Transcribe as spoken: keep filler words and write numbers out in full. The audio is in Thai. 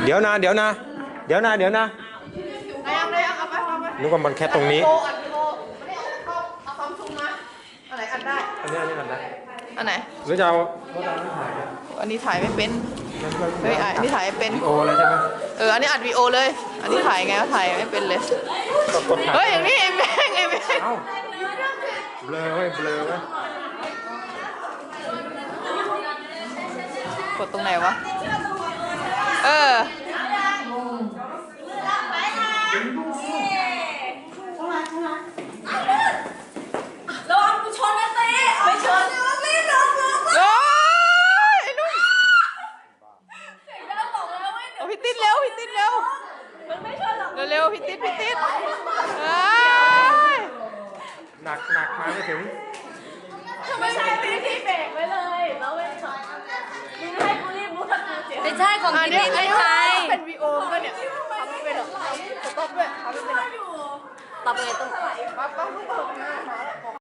เดี๋ยวนะเดี๋ยวนะเดี๋ยวนะเดี๋ยวนะได้ยังได้ยังเอาไปเอาไปนึกว่ามันแค่ตรงนี้โอัดวิดีโอไม่ได้เอาเอาความซูมมาอันไหนอัดได้อันนี้อันนี้อันไหนอันไหนหรือจะเอารถดาวนี่ถ่ายเนี่ยอันนี้ถ่ายไม่เป็นเฮ้ยอันนี้ถ่ายไม่เป็นโออะไรใช่ไหมเอออันนี้อัดวีดีโอเลย อันนี้ถ่ายไงก็ถ่ายไม่เป็นเลยก็กดถ่ายเฮ้ยอย่างนี้ไอ้แม่งไอ้แม่งเอ้าเบลอไว้เบลอไว้กดตรงไหนวะเออระวังกูชนนะเต้ไม่ชนรีบลงลงโอ้ยไอ้นุ่นเสียงดังบอกแล้วไม่เดี๋ยวเอาพี่ติ๊ดเร็วพี่ติ๊ดเร็วมันไม่ชนหรอกเร็วๆพี่ติ๊ดพี่ติ๊ดเอ้ยหนักหนักมาไม่ถึงไม่ใช่พี่ที่เบรกไว้เลยแล้วไม่ชนมึงให้กูรีบรู้ทันทีเสียไม่ใช่ของอันพี่นี้ไม่อันนี้ใช่เป็นวีโอก็เนี่ยทำไม่เป็นหรอกสต็อปด้วยทำไม่เป็นหรอกต่อไปต้องปั๊บปั๊บปั๊บ